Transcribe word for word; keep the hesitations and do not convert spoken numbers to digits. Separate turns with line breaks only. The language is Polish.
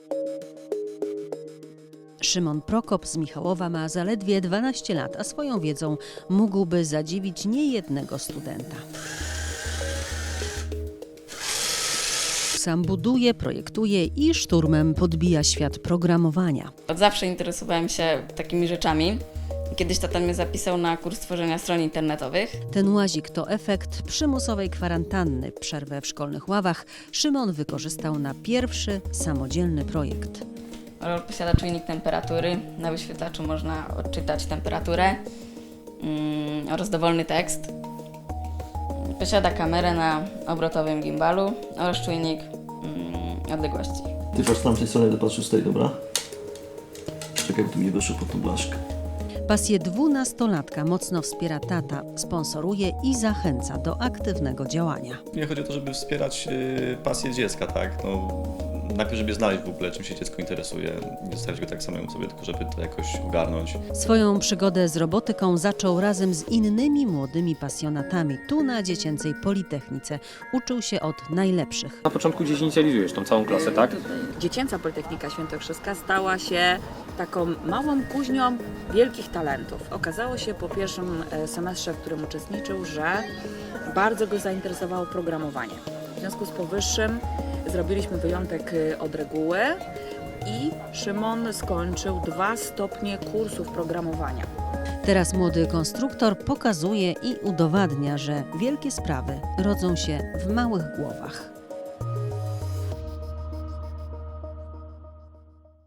Szymon Prokop z Michałowa ma zaledwie dwanaście lat, a swoją wiedzą mógłby zadziwić niejednego studenta. Sam buduje, projektuje i szturmem podbija świat programowania.
Od zawsze interesowałem się takimi rzeczami. Kiedyś tata mnie zapisał na kurs tworzenia stron internetowych.
Ten łazik to efekt przymusowej kwarantanny. Przerwę w szkolnych ławach Szymon wykorzystał na pierwszy samodzielny projekt.
Rolol posiada czujnik temperatury. Na wyświetlaczu można odczytać temperaturę mm, oraz dowolny tekst. Posiada kamerę na obrotowym gimbalu oraz czujnik mm, odległości.
Ty patrz z tamtej strony, do patrz z tej, dobra? Czekaj, bo tu mi weszło pod tą blaszkę.
Pasję dwunastolatka mocno wspiera tata, sponsoruje i zachęca do aktywnego działania.
Mnie chodzi o to, żeby wspierać y, pasję dziecka, tak? No, najpierw, żeby znaleźć w ogóle, czym się dziecko interesuje, nie zostawić go tak samemu sobie, tylko żeby to jakoś ogarnąć.
Swoją przygodę z robotyką zaczął razem z innymi młodymi pasjonatami. Tu na Dziecięcej Politechnice uczył się od najlepszych.
Na początku gdzieś inicjalizujesz tą całą klasę, tak?
Dziecięca Politechnika Świętokrzyska stała się taką małą kuźnią wielkich talentów. Okazało się po pierwszym semestrze, w którym uczestniczył, że bardzo go zainteresowało programowanie. W związku z powyższym zrobiliśmy wyjątek od reguły i Szymon skończył dwa stopnie kursów programowania.
Teraz młody konstruktor pokazuje i udowadnia, że wielkie sprawy rodzą się w małych głowach.